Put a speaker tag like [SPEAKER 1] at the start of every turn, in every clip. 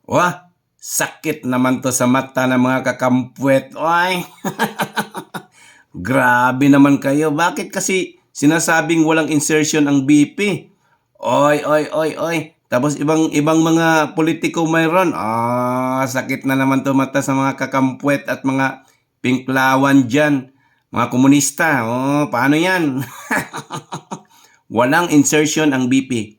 [SPEAKER 1] Wah, sakit naman to sa mata ng mga kakampwet. Oy, grabe naman kayo. Bakit kasi sinasabing walang insertion ang BP? Oy, oy, oy, oy. Tapos ibang mga politiko mayroon. Sakit na naman to mata sa mga kakampwet at mga pinklawan dyan. Mga komunista. Paano yan? Walang insertion ang BP.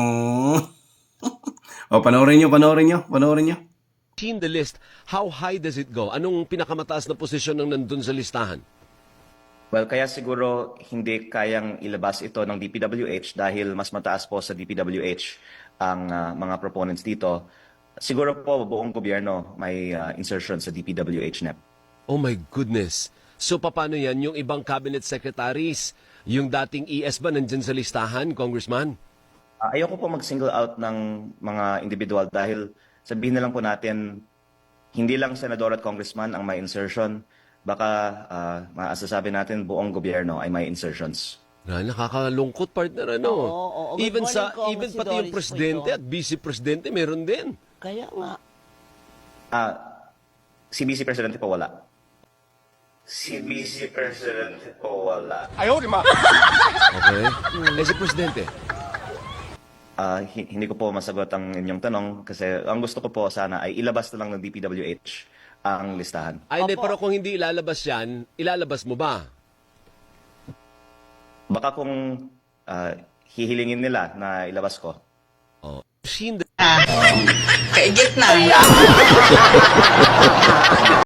[SPEAKER 1] Panoorin nyo.
[SPEAKER 2] Seen the list, how high does it go? Anong pinakamataas na posisyon ng nandun sa listahan?
[SPEAKER 3] Well, kaya siguro hindi kayang ilabas ito ng DPWH dahil mas mataas po sa DPWH ang mga proponents dito. Siguro po buong gobyerno may insertion sa DPWH NEP.
[SPEAKER 2] Oh my goodness. So paano yan? Yung ibang cabinet secretaries, yung dating ES ba nandyan sa listahan, Congressman?
[SPEAKER 3] Ayoko po mag-single out ng mga individual dahil sabihin na lang po natin, hindi lang senador at congressman ang may insertion. Baka maasasabi natin buong gobyerno ay may insertions.
[SPEAKER 2] Nakakalungkot, partner, ano?
[SPEAKER 4] Oo. Good
[SPEAKER 2] Even
[SPEAKER 4] morning,
[SPEAKER 2] even
[SPEAKER 4] si
[SPEAKER 2] pati yung
[SPEAKER 4] Doris
[SPEAKER 2] presidente
[SPEAKER 4] po ito.
[SPEAKER 2] at vice-presidente meron din.
[SPEAKER 4] Kaya nga.
[SPEAKER 3] Si Vice Presidente po wala. Si Vice Presidente po wala.
[SPEAKER 2] Okay? Si presidente?
[SPEAKER 3] Hindi ko po masagot ang inyong tanong kasi ang gusto ko po sana ay ilabas na lang ng DPWH ang listahan.
[SPEAKER 2] Ay, hindi,
[SPEAKER 4] Opo.
[SPEAKER 2] pero kung hindi ilalabas yan, ilalabas mo ba?
[SPEAKER 3] Baka kung hihilingin nila na ilabas ko.
[SPEAKER 2] Oh. Seen the
[SPEAKER 5] Kaigit na.